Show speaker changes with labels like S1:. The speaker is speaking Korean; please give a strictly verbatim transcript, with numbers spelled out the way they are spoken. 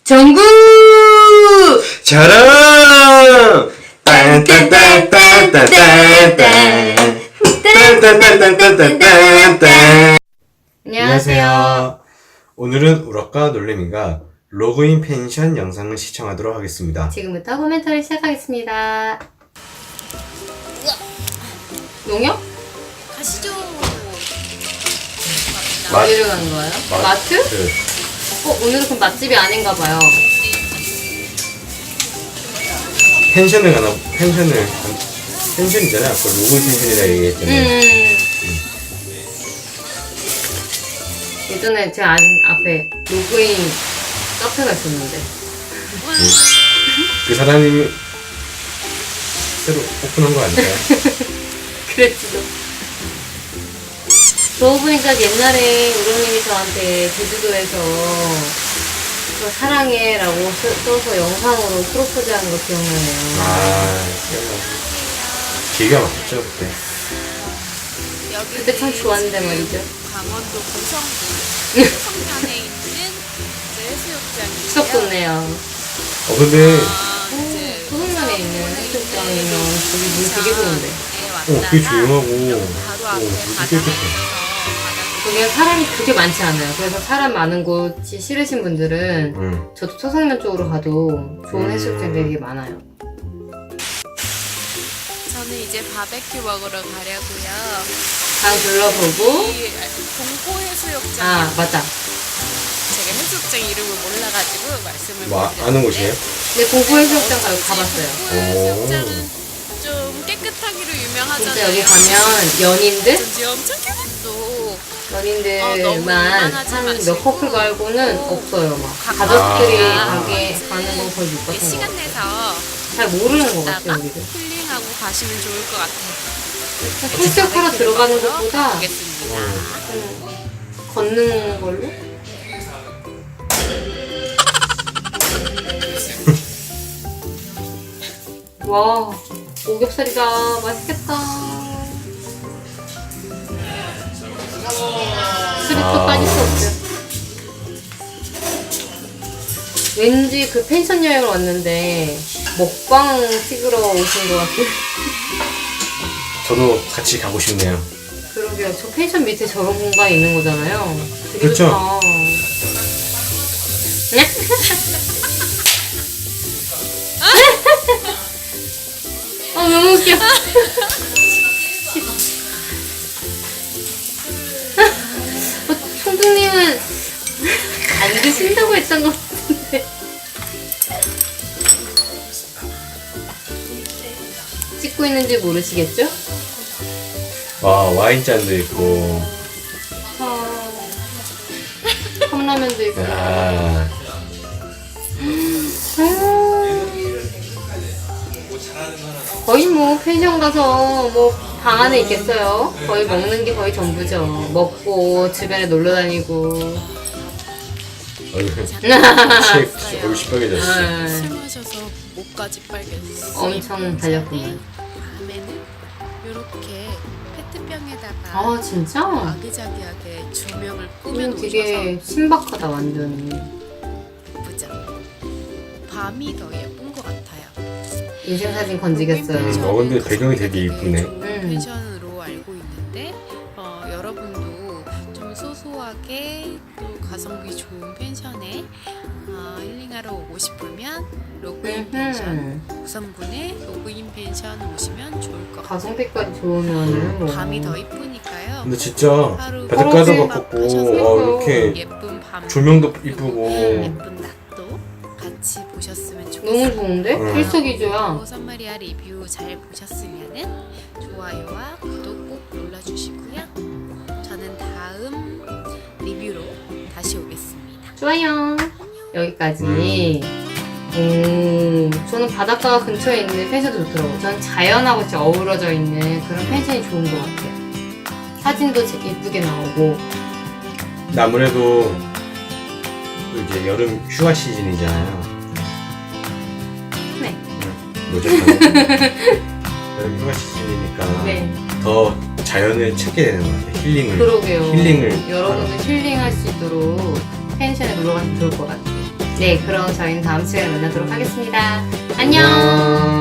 S1: 정구!
S2: 자랑! 딴딴딴딴딴딴딴딴딴딴딴딴딴. 안녕하세요. 오늘은 우럭과 놀래미가 로그인 펜션 영상을 시청하도록 하겠습니다.
S1: 지금부터 코멘터를 시작하겠습니다. 농협?
S3: 가시죠.
S2: 맛-
S1: 어디로 가는 거예요? 마트?
S2: 마트.
S1: 어, 오늘은 그럼 맛집이 아닌가 봐요.
S2: 펜션을 가나, 펜션을, 간- 펜션이잖아. 아까 로그인 펜션이라 얘기했잖아요.
S1: 음. 예전에 제 안, 앞에 로그인 카페가 있었는데.
S2: 그 사장님이 새로 오픈한 거 아닐까요?
S1: 그랬지도. 그러고 보니까 옛날에 우렁님이 저한테 제주도에서 저 사랑해라고 써- 써서 영상으로 프로포즈하는 거 기억나네요.
S2: 아, 기억나죠. 기가 막혔죠, 그때.
S3: 여기
S1: 그때 참 좋았는데 말이죠.
S3: 강원도 고성군 성면에 있는 이제 해수욕장이고요.
S1: 추억 돋네요.
S2: 어, 근데,
S3: 아, 이제
S1: 소금면에 있는 해수욕장이면 거기 물 되게 좋은데.
S2: 어, 되게 조용하고,
S3: 바로
S2: 어,
S3: 앞에
S2: 되게
S3: 바다
S2: 깨끗해.
S3: 보면서
S1: 거기가 사람이 그렇게 많지 않아요. 그래서 사람 많은 곳이 싫으신 분들은
S2: 응.
S1: 저도 초성면 쪽으로 가도 좋은
S2: 음.
S1: 해수욕장 되게 많아요.
S3: 저는 이제 바베큐 먹으러 가려고요.
S1: 방 둘러보고.
S3: 이 공포 해수욕장.
S1: 아, 맞다.
S3: 제가 해수욕장 이름을 몰라가지고 말씀을
S2: 뭐, 아-
S3: 못
S2: 아는
S3: 드렸는데
S2: 곳이에요?
S1: 네, 공포 해수욕장 가, 가봤어요.
S3: 공포 해수욕장은 좀 깨끗하기로 유명하잖아요.
S1: 진짜 여기 가면 연인들?
S3: 전지 엄청 깨끗도 어, 너무
S1: 연인들만
S3: 이만하지
S1: 한 몇
S3: 마시고.
S1: 커플 말고는 없어요. 막
S3: 각-
S1: 가족들이
S2: 아.
S1: 가게 가는 건 거의 못
S3: 이게
S1: 봤던 것
S3: 시간
S1: 같아요.
S3: 내서
S1: 잘 모르는 것
S3: 있다가
S1: 같아요, 여기를.
S3: 힐링하고 가시면 좋을 것 같아요.
S1: 해수욕하러 들어가는 것보다
S3: 보겠습니다.
S1: 음, 걷는 걸로? 와, 오겹살이다. 맛있겠다. 수리도
S2: 아.
S1: 빠질 수 없죠. 왠지 그 펜션 여행을 왔는데 먹방 찍으러 오신 것 같은.
S2: 저도 같이 가고 싶네요.
S1: 그러게요. 저 펜션 밑에 저런 공간이 있는 거잖아요. 되게
S2: 그렇죠.
S1: 좋다. 아, 너무 웃겨. 어, 총동님은 안 드신다고 했던 것 같은데. 찍고 있는지 모르시겠죠?
S2: 와, 와인잔도 있고,
S1: 아, 컵라면도 있고.
S2: 야,
S1: 거의 뭐 펜션 가서 뭐 방 안에 있겠어요. 거의 먹는 게 거의 전부죠. 먹고 주변에 놀러 다니고.
S2: 얼굴, 치, 얼굴 시뻘개졌어.
S1: 아,
S3: 술 마셔서 목까지 빨개졌어.
S1: 엄청 달렸구만.
S3: 다음에는 이렇게 페트병에다가
S1: 아 진짜?
S3: 아기자기하게 조명을 꾸며
S1: 이건
S3: 놓으셔서
S1: 되게 신박하다 완전.
S3: 예쁘죠? 밤이 더 예쁜 것 같아요.
S1: 인생 사진 건지겠어요.
S2: 음, 어, 근데 배경이 되게 이쁘네.
S3: 좋은
S1: 음.
S3: 펜션으로 알고 있는데 어, 여러분도 좀 소소하게 또 가성비 좋은 펜션에 어, 힐링하러 오고 싶으면 로그인 펜션
S1: 음,
S3: 고성군의 로그인 펜션 오시면 좋을 것 같아요.
S1: 가성비까지 좋으면은 뭐.
S3: 밤이 더 이쁘니까요.
S2: 근데 진짜
S3: 하루
S2: 바닷가도
S1: 하루
S2: 가깝고,
S3: 하셔서
S2: 어, 이렇게
S3: 예쁜 밤
S2: 조명도 이쁘고,
S3: 예쁜 낮도 같이 보셨으면 좋겠어요.
S1: 너무 좋은데?
S2: 음.
S1: 일석이조야.
S3: 오선마리아 리뷰 잘 보셨으면은 좋아요와 구독 꼭 눌러주시고요. 저는 다음 리뷰로 다시 오겠습니다.
S1: 좋아요. 여기까지.
S2: 음.
S1: 오, 저는 바닷가 근처에 있는 펜션도 좋더라고요. 저는 자연하고 진짜 어우러져 있는 그런 펜션이 좋은 것 같아요. 사진도 제- 예쁘게 나오고.
S2: 아무래도 또 이제 여름 휴가 시즌이잖아요.
S1: 네.
S2: 뭐죠? 여름 휴가 시즌이니까
S1: 네.
S2: 더 자연을 찾게 되는 것 같아요. 힐링을.
S1: 그러게요.
S2: 힐링을
S1: 여러분도 힐링할 수 있도록 펜션에 놀러 가면 좋을 것 같아요. 네, 그럼 저희는 다음 시간에 만나도록 하겠습니다. 안녕.